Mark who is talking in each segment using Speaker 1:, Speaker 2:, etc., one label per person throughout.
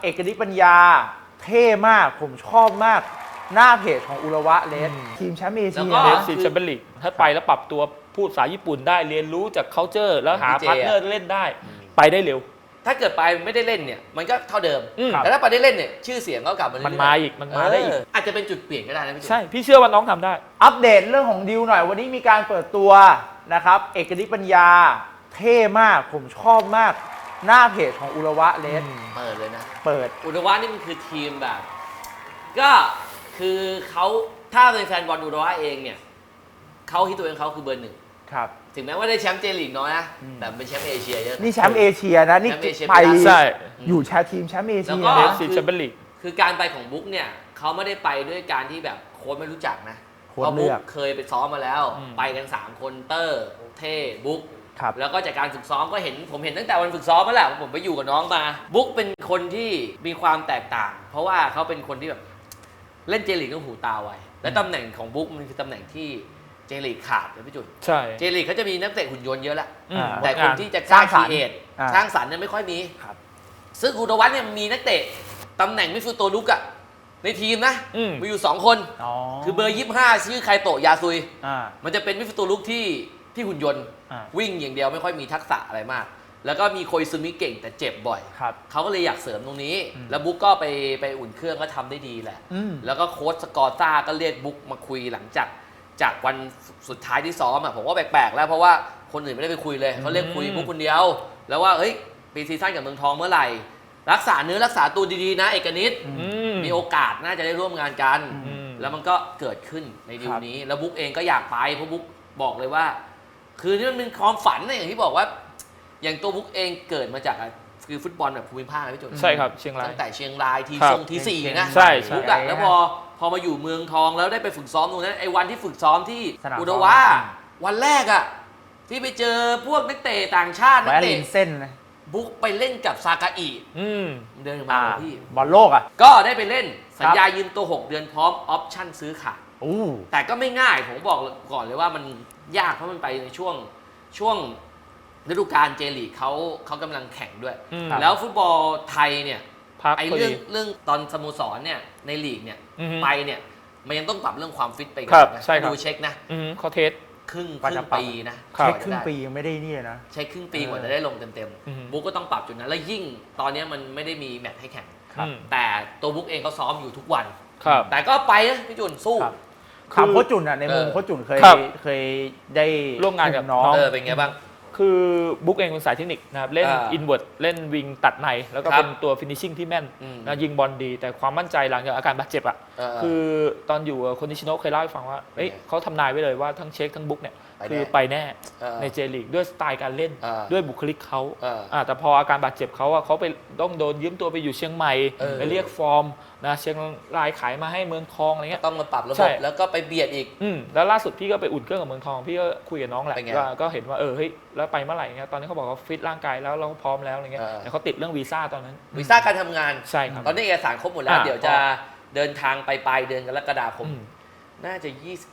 Speaker 1: เอกนิตปัญญาเท่มากผมชอบมากหน้าเพจของอุระวะเลสทีมแชมป์เอเชีย
Speaker 2: เลสแชมเปี้ยนลีกถ้าไปแล้วปรับตัวพูดภาษาญี่ปุ่นได้เรียนรู้จาก culture แล้วหาพาร์ทเนอร์เล่นได้ไปได้เร็ว
Speaker 3: ถ้าเกิดไปไม่ได้เล่นเนี่ยมันก็เท่าเดิมแต่ถ้าไปได้เล่นเนี่ยชื่อเสียงก็กลับมา
Speaker 2: มันมาอีกมันมาได้อีก
Speaker 3: อาจจะเป็นจุดเปลี่ยนก็ได้นะพี่จุ๊บ
Speaker 2: ใช่พี่เชื่อว่าน้องทำได้
Speaker 1: อัปเดตเรื่องของดิวหน่อยวันนี้มีการเปิดตัวนะครับเอกนิตปัญญาเท่มากผมชอบมากหน้าเพจของอุระวะเลส
Speaker 3: เปิดเลยนะ
Speaker 1: เปิด
Speaker 3: อุระวะนี่มันคือทีมแบบก็คือเขาถ้าเป็นแฟนบอลอุระวะเองเนี่ยเขาคิดตัวเองเขาคือเบอร์หนึ่ง
Speaker 1: ครับ
Speaker 3: ถึงแม้ว่าได้แชมป์เจลีกน้อยนะแต่เป็นแชมป์เอเชียเยอะ
Speaker 1: นี่แชมป์เอเชียนะนี่ไปอยู่แชมป์ทีมแชมป์เอเชีย
Speaker 2: เลสแชมเปี้ยนลีก
Speaker 3: คือการไปของบุ๊กเนี่ยเขาไม่ได้ไปด้วยการที่แบบโค้ชไม่รู้จักนะเพราะบุ๊กเคยไปซ้อมมาแล้วไปกัน3คนเตอร์เท่บุ๊กแล้วก็จากการฝึกซ้อมก็ผมเห็นตั้งแต่วันฝึกซ้อมมาแล้วผมไปอยู่กับน้องมาบุ๊กเป็นคนที่มีความแตกต่างเพราะว่าเขาเป็นคนที่แบบเล่นเจลีกต้องหูตาไวและตำแหน่งของบุ๊กมันคือตำแหน่งที่เจลีกขาดนะพี่จุน
Speaker 2: ใช่
Speaker 3: เจลีกเขาจะมีนักเตะหุ่นยนต์เยอะแล้วแต่คนที่จะสร้างครีเอทสร้างสรรค์เนี่ยไม่ค่อยมีซึ่งอุดวัฒน์เนี่ยมีนักเตะตำแหน่งมิดฟิลด์ตัวลุกอะในทีมนะมีอยู่2คนคือเบอร์25ชื่อไคโตะยาซุยมันจะเป็นมิดฟิลด์ตัวลุกที่หุ่นยนต์วิ่งอย่างเดียวไม่ค่อยมีทักษะอะไรมากแล้วก็มีโคยซึมิเก่งแต่เจ็บบ่อยเขาก็เลยอยากเสริมตรงนี้แล้วบุ๊กก็ไปอุ่นเครื่องก็ทำได้ดีแหละแล้วก็โค้ชสกอร์ซ่าก็เรียกบุ๊กมาคุยหลังจากวันสุดท้ายที่ซ้อมอ่ะผมว่าแปลกๆแล้วเพราะว่าคนอื่นไม่ได้ไปคุยเลยเขาเรียกคุยบุ๊กคนเดียวแล้วว่าเฮ้ยปีซีซั่นกับเมืองทองเมื่อไหร่รักษาเนื้อรักษาตัวดีๆนะเอกนิตมีโอกาสน่าจะได้ร่วมงานกันแล้วมันก็เกิดขึ้นในดีลนี้แล้วบุ๊กเองก็อยากไปเพราะบุ๊กบอกเลยว่าคือนี่มันเป็นความฝันนะอย่างที่บอกว่าอย่างตัวบุ๊กเองเกิดมาจากคือฟุตบอลแบบภูมิภาคนะพี่จุน
Speaker 2: ใช่ครับเชียงราย
Speaker 3: ตั้งแต่เชียงรายทีสี่นะ
Speaker 2: ใช่
Speaker 3: บุ๊กอะแล้วพอมาอยู่เมืองทองแล้วได้ไปฝึกซ้อมตรงนั้นไอ้วันที่ฝึกซ้อมที่อุดวะวันแรกอะที่ไปเจอพวกนักเตะต่างชาตินักเตะ
Speaker 1: เส้นนะ
Speaker 3: บุ๊กไปเล่นกับซากาอิเดินมาพี่
Speaker 1: บอลโลกอะ
Speaker 3: ก็ได้ไปเล่นสัญญายืมตัว6 เดือนพร้อมออปชั่นซื้อขาดแต่ก็ไม่ง่ายผมบอกก่อนเลยว่ามันยากเพราะมันไปในช่วงฤดูกาลเจลีกเขากำลังแข่งด้วยแล้วฟุตบอลไทยเนี่ยไอ้เรื่องตอนสโมสรเนี่ยในลีกเนี่ยไปเนี่ยมันยังต้องปรับเรื่องความฟิตไปกันนะดูเช็คนะ
Speaker 2: เขาเทส
Speaker 3: ครึ่งปีนะ
Speaker 1: เช็คครึ่งปียังไม่ได้นี่นะ
Speaker 3: ใช้ครึ่งปีกว่าจะได้ลงเต็มๆบุ๊กก็ต้องปรับจุดนั้นแล้วยิ่งตอนนี้มันไม่ได้มีแมตช์ให้แข่งแต่ตัวบุ๊กเองเขาซ้อมอยู่ทุกวันแต่ก็ไปนะพี่จุนสู้
Speaker 1: ถามโค้ชจุนอ่ะในมุมโค้ชจุนเคยได้
Speaker 2: ร่วมงานกับน้อง
Speaker 3: เป็นไงบ้าง
Speaker 2: คือบุ๊กเองเป็นสายเทคนิคนะครับเล่นอินเวิร์ดเล่นวิงตัดในแล้วก็เป็นตัวฟินิชชิ่งที่แม่นนะยิงบอลดีแต่ความมั่นใจหลังจากอาการบาดเจ็บอ่ะคือตอนอยู่คนนิชิโนะเคยเล่าให้ฟังว่าเขาทำนายไว้เลยว่าทั้งเช็คทั้งบุ๊กเนี่ยคือไปแน่ในเจลีกด้วยสไตล์การเล่นด้วยบุคลิกเขาแต่พออาการบาดเจ็บเขาไปต้องโดนยืมตัวไปอยู่เชียงใหม่ไปเรียกฟอร์มนะเชียงรายขายมาให้เมืองทองอะไรเงี้ย
Speaker 3: ต้องมาปรับระบบแล้วก็ไปเบียดอีก
Speaker 2: แล้วล่าสุดพี่ก็ไปอุ่นเครื่องกับเมืองทองพี่ก็คุยกับน้องแหละก็เห็นว่าเฮ้ยแล้วไปเมื่อไหร่เงี้ยตอนนี้เขาบอกว่าฟิตร่างกายแล้วเราพร้อมแล้วอะไรเงี้ยแต่เขาติดเรื่องวีซ่าตอนนั้น
Speaker 3: วีซ่าการทำงาน
Speaker 2: ใช่ครับ
Speaker 3: ตอนนี้เอกสารครบหมดแล้วเดี๋ยวจะเดินทางไปปลายเดือนกรกฎาคมน่าจะ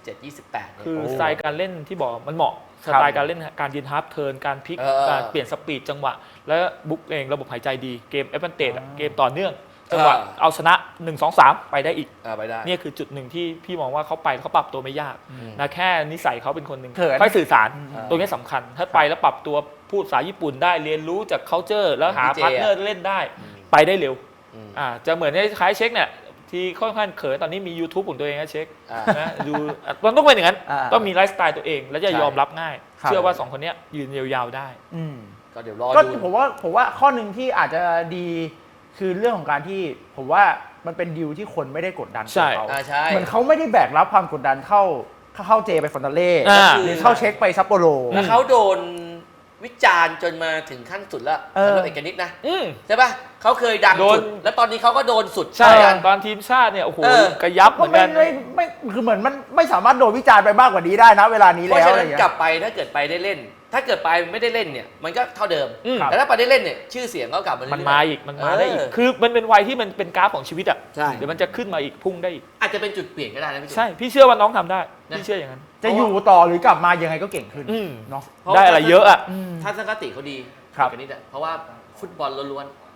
Speaker 3: 27-28
Speaker 2: คือสไตล์การเล่นที่บอกมันเหมาะสไตล์การเล่นการยืนฮาร์ฟเทิร์นการพลิกการเปลี่ยนสปีดจังหวะและบุ๊กเองระบบหายใจดีเกมแอดวานเทจเกมต่อเนื่องจังหวะเอาชนะ 1-2-3 ไปได้อีก
Speaker 3: ไปได้
Speaker 2: นี่คือจุดหนึ่งที่พี่มองว่าเขาไปเขาปรับตัวไม่ยากนะแค่นิสัยเขาเป็นคนหนึ่งค่อยสื่อสารตรงนี้สำคัญถ้าไปแล้วปรับตัวพูดภาษาญี่ปุ่นได้เรียนรู้จาก culture แล้วหาพาร์ทเนอร์เล่นได้ไปได้เร็วจะเหมือนคล้ายเช็คเนี่ยที่ค่อนข้างเขินตอนนี้มี YouTube ของตัวเองนะเช็คนะดูมันต้องเป็นอย่างนั้นต้องมีไลฟ์สไตล์ตัวเองแล้วจะยอมรับง่ายเชื่อว่า2คนนี้ยืนยาวๆได้
Speaker 3: ก็เดี๋ยวรอดู
Speaker 1: ผมว่าข้อหนึ่งที่อาจจะดีคือเรื่องของการที่ผมว่ามันเป็นดีลที่คนไม่ได้กดดันเขาเหมือนเขาไม่ได้แบกรับความกดดันเข้าเจไปฟอนตาเล่หรือเข้าเช็คไปซัปโปโร
Speaker 3: แล้วเขาโดนวิจารณ์จนมาถึงขั้นสุดแล้วสำหรับเอกนิตนะใช่ป่ะเขาเคยดังสุดแล้วตอนนี้เขาก็โดนสุด
Speaker 2: ใช่ตอนทีมชาติเนี่ยโอ้โหกระยับเหมือนกัน
Speaker 1: ไม่คือเหมือนมันไม่สามารถโดนวิจารณ์ไปมากกว่านี้ได้นะเวลานี้แล้วเพราะ
Speaker 3: ฉะนั้นกลับไปถ้าเกิดไปได้เล่นถ้าเกิดไปไม่ได้เล่นเนี่ยมันก็เท่าเดิมแต่ถ้าไปได้เล่นเนี่ยชื่อเสียงก็กลับ
Speaker 2: มันมาอีกมันมาได้อีกคือมันเป็นวัยที่มันเป็นกราฟของชีวิตอ่ะเดี๋ยวมันจะขึ้นมาอีกพุ่งได้อีก
Speaker 3: อาจจะเป็นจุดเปลี่ยนก็ได้นะพี่
Speaker 2: ใช่พี่เชื่อว่าน้องทำได้พี่เชื่ออย่างนั้น
Speaker 1: จะอยู่ต่อหรือกลับมายังไงก็เก่งขึ้นเนาะ
Speaker 2: ได้อะไรเยอะอ่ะ
Speaker 3: ทัศนคติเขาดีกันนิดเพราะว่าฟุตบอลล้วน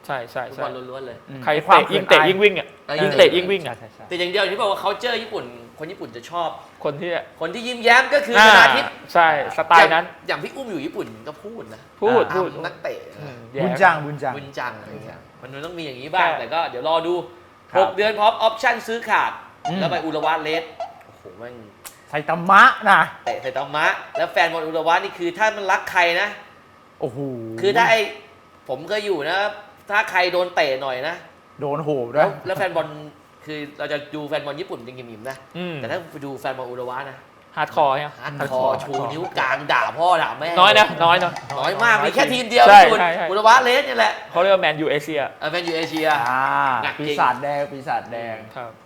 Speaker 2: ใช่ใช่
Speaker 3: ฟุตบอลล้วนๆเลย
Speaker 2: ใครเตะยิ่งวิ่งอ่ะยิ่งเตะยิ่งวิ่งอ่ะ
Speaker 3: แต่อย่างเดียวที่บอกว่าเขาเจอญี่ปุ่นคนญี่ปุ่นจะชอบ
Speaker 2: คนที่
Speaker 3: ยิ้มแย้มก็คือชนาทิพย์
Speaker 2: ใช่สไตล์นั้น
Speaker 3: อย่างพี่อุ้มอยู่ญี่ปุ่นก็พูดนะ
Speaker 2: พูด
Speaker 3: นักเตะ
Speaker 1: บุญจัง
Speaker 3: อะไรเงี้ยมันต้องมีอย่างนี้บ้างแต่ก็เดี๋ยวรอดู6 เดือนพร้อมออปชั่นซื้อขาดแล้วไปอุระวะเลสโอ้โหแม่ง
Speaker 1: ไซตามะนะ
Speaker 3: เตะไซตามะแล้วแฟนบอลอุระวะนี่คือถ้ามันรักใครนะ
Speaker 1: โอ้โห
Speaker 3: คือถ้าผมก็อยู่นะถ้าใครโดนเตะหน่อยนะ
Speaker 1: โดนโหบด้วย
Speaker 3: แล้วแฟนบอลคือเราจะดูแฟนบอลญี่ปุ่นเป็นกิมๆนะแต่ถ้าไปดูแฟนบอลอุระวะนะ
Speaker 2: ฮาร์ดคอร์
Speaker 3: ฮาร์ดคอร์ชูนิ้วกลางด่าพ่อด่าแม่
Speaker 2: น้อยนะน้
Speaker 3: อยมากมีแค่ทีมเดียวญี่ปุ่นอุระวะเลสนี่แหละ
Speaker 2: เขาเรียกว่าแมนยูเอเชีย
Speaker 3: แมนยูเอเชีย
Speaker 1: ปีศาจแดง
Speaker 2: ครับ